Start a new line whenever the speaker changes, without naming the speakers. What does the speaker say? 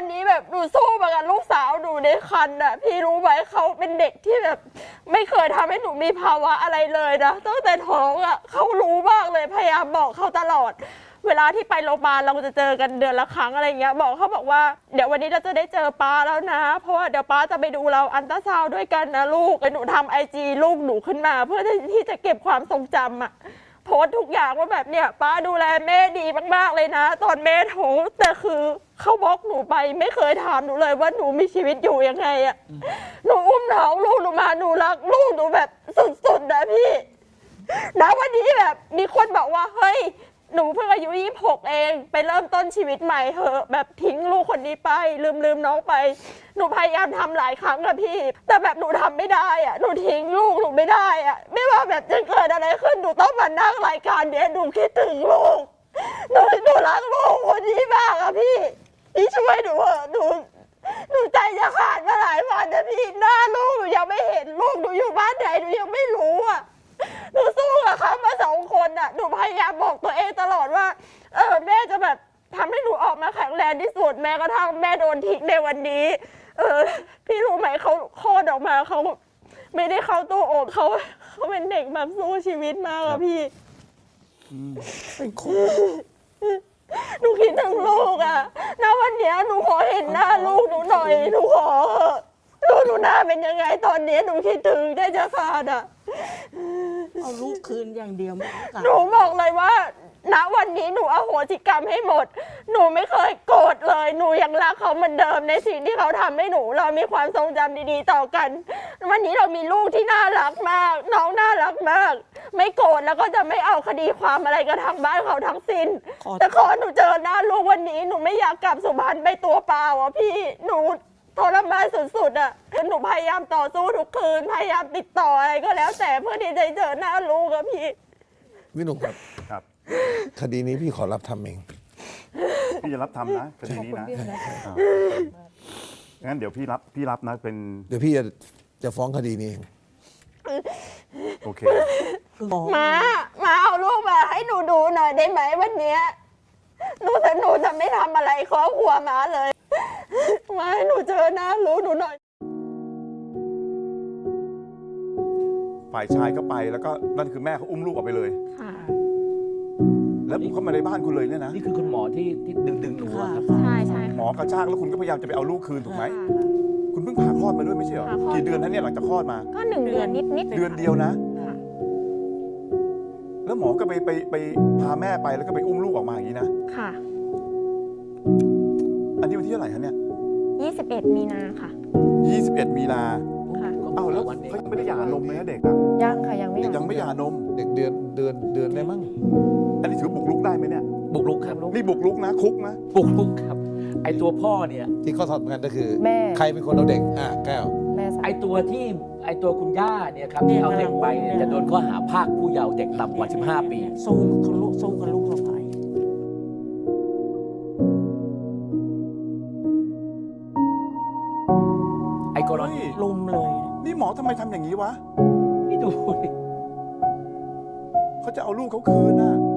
นี้แบบหนูสู้มากับลูกสาวหนูในครรภ์อ่ะพี่รู้ไหมเขาเป็นเด็กที่แบบไม่เคยทำให้หนูมีภาวะอะไรเลยนะตั้งแต่ท้องอ่ะเขารู้มากเลยพยายามบอกเขาตลอดเวลาที่ไปโรงพยาบาลเราจะเจอกันเดือนละครั้งอะไรเงี้ยบอกว่าเดี๋ยววันนี้เราจะได้เจอป้าแล้วนะเพราะว่าเดี๋ยวป้าจะไปดูเราอัลตราซาวด์ด้วยกันนะลูกหนูทำIGลูกหนูขึ้นมาเพื่อที่จะเก็บความทรงจำอ่ะโพสทุกอย่างว่าแบบเนี่ยป้าดูแลแม่ดีมากๆเลยนะตอนแม่ท้องแต่คือเขาบล็อกหนูไปไม่เคยถามหนูเลยว่าหนูมีชีวิตอยู่ยังไงอ่ะหนูอุ้มท้องลูกหนูมาหนูรักลูกหนูแบบสุดๆนะพี่นะวันนี้แบบมีคนบอกว่าเฮ้ยหนูเพิ่งอายุ26เองไปเริ่มต้นชีวิตใหม่เถอะแบบทิ้งลูกคนนี้ไปลืมน้องไปหนูพยายามทำหลายครั้งอะพี่แต่แบบหนูทำไม่ได้อะหนูทิ้งลูกหนูไม่ได้อะไม่ว่าแบบจะเกิดอะไรขึ้นหนูต้องมานั่งรายการเนี้ยหนูคิดถึงลูกหนูรักลูกคนนี้มากอะพี่ช่วยหนูเถอะหนูใจจะขาดมาหลายวันนะพี่หน้าลูกหนูยังไม่เห็นลูกหนูอยู่บ้านไหนหนูยังไม่รู้อะหนูสู้กับเขามา2 คนอ่ะหนูพยายามบอกตัวเองตลอดว่าแม่จะแบบทำให้หนูออกมาแข็งแรงที่สุดแม้กระทั่งแม่โดนทิ้งในวันนี้พี่รู้ไหมเขาคลอดออกมาเขาไม่ได้เข้าตู้อบเขาเป็นเด็กแบบสู้ชีวิตมากอะพี่
เป็นคน
หนูคิดถึงลูกอะณวันนี้หนูขอเห็นหน้าลูกหนูหน่อยหนูขอลูกหนูหน้าเป็นยังไงตอนนี้หนูคิดถึงได้จะขาดอะ
เอาลูกคืนอย่างเดียวไม่
หนูบอกเลยว่าณวันนี้หนูอโหสิกรรมให้หมดหนูไม่เคยโกรธเลยหนูยังรักเขาเหมือนเดิมในสิ่งที่เขาทำให้หนูเรามีความทรงจำดีๆต่อกันวันนี้เรามีลูกที่น่ารักมากน้องน่ารักมากไม่โกรธแล้วก็จะไม่เอาคดีความอะไรกับทางบ้านเขาทั้งสิ้นแต่ขอหนูเจอหน้าลูกวันนี้หนูไม่อยากกลับสุพรรณไปตัวเปล่าอ่ะพี่หนูทรมานสุดๆอ่ะหนูพยายามต่อสู้ทุกคืนพยายามติดต่ออะไรก็แล้วแต่เพื่อที่จะเจอหน้าลูกอะพี่
พี่หนุ่มครับ
ครับ
คดีนี้พี่ขอรับทำเอง
พี่จะรับทำนะคดีนี้นะงั้นเดี๋ยวพี่รับนะเป็น
เดี๋ยวพี่จะฟ้องคดีนี้เอง
โอเค
มาเอาลูกมาให้หนูดูหน่อยได้ไหมวันนี้หนูจะไม่ทำอะไรครอบครัวมาเลยมาให้หนูเจอหน้าลูกหนูหน่อย
ฝ่ายชายก็ไปแล้วก็นั่นคือแม่เขาอุ้มลูกออกไปเลย
ค่ะ
แล้วเข้ามาในบ้านคุณเลยเนี่ยนะ
นี่คือคุณหมอที่ดึงหนูครับ
ใช่
หมอกระชากแล้วคุณก็พยายามจะไปเอาลูกคืนถูกไหมคุณเพิ่งผ่าคลอดมาด้วยไม่ใช่เหรอกี่เดือนนะเนี่ยหลังจากคลอดมา
ก็1 เดือนนิด
เดือนเดียวนะแล้วหมอก็ไปพาแม่ไปแล้วก็ไปอุ้มลูกออกมาอย่างนี้นะ
ค่ะ
อันนี้วันที่เท่าไหร่คะเนี่ย
21 มีนาค่ะ
21 มีนา
ค่ะ
เอ้าแล้วเขายังไม่ได้หย่านมเลยนะเด็กอะ
ยังค่ะยังไม่
หย่านม
เด็กเดือนได้มั้ง
อันนี้ถือบุกรุกได้ไหมเนี่ย
บุกรุกครับ
นี่บุกรุกนะคุกนะ
บุกรุกครับไอตัวพ่อเนี่ย
ที่เขาสอบกันก็คือ
แม่
ใครเป็นคนเอาเด็กแก้ว
ไอตัวคุณย่าเนี่ยครับที่เอาเด็กไปเนี่ยจะโดนข้อหาพรากผู้เยาว์เด็กต่ำกว่า15 ปี
สู้กับลูกสะใภ้
ไอกรณี
ลุมเลย
นี่หมอทำไมทำอย่างนี้วะ
พี่ดู
เขาจะเอาลูกเขาคืนน่ะ